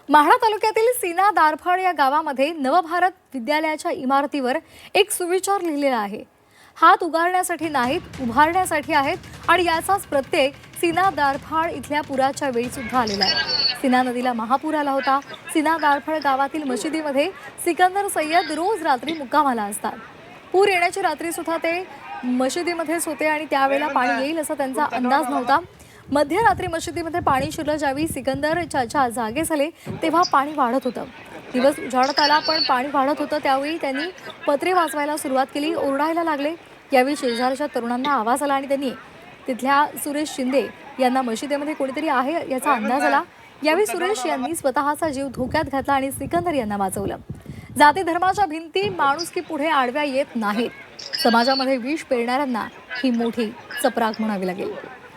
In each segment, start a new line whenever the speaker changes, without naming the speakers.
माढा तालुक्यातील सीना दारफळ या गावामध्ये नवभारत विद्यालयाच्या इमारतीवर एक सुविचार लिहिलेला आहे. हात उगारण्यासाठी नाहीत, उभारण्यासाठी आहेत आणि याचाच प्रत्यय सीना दारफळ इथल्या पुराच्या वेळी सुद्धा आलेला आहे. सीना नदीला महापूर आला होता. सीना दारफळ गावातील मशिदीमध्ये सिकंदर सय्यद रोज रात्री मुक्कामाला असतात. पूर येण्याची रात्री सुद्धा ते मशिदीमध्येच होते आणि त्यावेळेला पाणी येईल असा त्यांचा अंदाज नव्हता. मध्यरात्री मशिदीमध्ये पाणी शिरलं. ज्यावेळी सिकंदर चाचा जागे झाले तेव्हा पाणी वाढत होतं. दिवस उजाडत आला पण पाणी वाढत होतं. त्यावेळी त्यांनी पत्रे वाजवायला सुरुवात केली, ओरडायला लागले. यावेळी शेजारच्या तरुणांना आवाज आला आणि त्यांनी तिथल्या सुरेश शिंदे यांना मशिदीमध्ये कोणीतरी आहे याचा अंदाज आला. यावेळी सुरेश यांनी स्वतःचा जीव धोक्यात घातला आणि सिकंदर यांना वाचवलं. जाती धर्माच्या भिंती माणुसकी पुढे आडव्या येत नाहीत. समाजामध्ये विष पेरणाऱ्यांना ही मोठी चपराक म्हणावी लागेल.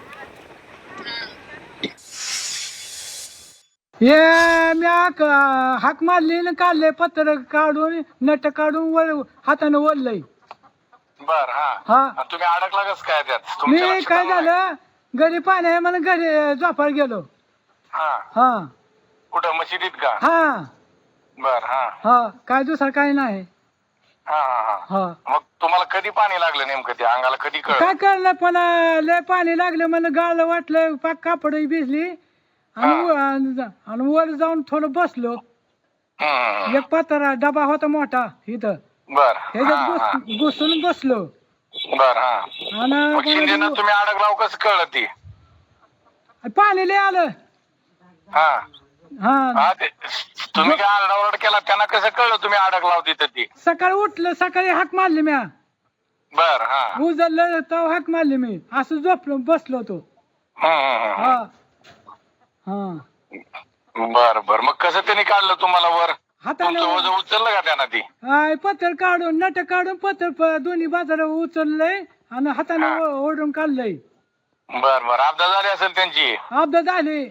हे मी हाक मारली ना, काढले पत्र काढून नट काढून हाताने ओढलंय.
बर हा
हा
तुम्ही अडकला कस काय त्यात?
मी
तुमच्या लक्षात
काय
आलं नाही?
झालं, घरी पाणी आहे म्हणून घरी झोपायला गेलो.
हा
हा
कुठं मशिदीत का?
हा
बर हा
हा काय दुसरं काही नाही.
हा हा हा
हा
मग तुम्हाला कधी पाणी लागलं नेमकं? ते अंगाला कधी कळ?
काय करलं, पण लय पाणी लागलं म्हणून गाळलं वाटलं, पाक कापड भिजली आणि वर जाऊन थोडं बसलो. एक पत्रा डबा होता मोठा इथं,
बर
ह्याच्यात घुसून बसलो.
बर हा मग
आणि
शिंदेना तुम्ही अडकलाव कसं कळलं ती?
पाणी लय आलं.
हा
हा
हा ते तुम्ही काय आरडाओरड केला त्यांना कसं कळलं तुम्ही अडकलाव तिथं ती?
सकाळी उठलं, सकाळी हाक मारली म्या,
बर हा
उजळलं तेव्हा हाक मारली मी, असं झोपलो बसलो होतो. हा हा
बर बर मग कसं त्यांनी काढलं तुम्हाला वर?
हाताने
तुमचं वजन उचललं का त्यांना ती?
पत्र काढून नट काढून पत्र दोन्ही बाजारा उचललंय आणि हाताने ओढून काढलंय.
बर बर अपघात झाली असेल त्यांची.
अपघात झाले.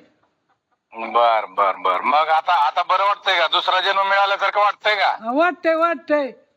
बर बर बर मग आता आता बरं वाटतंय का? दुसरा जन्म मिळाल्यासारखं वाटतंय का?
वाटतंय वाटतंय.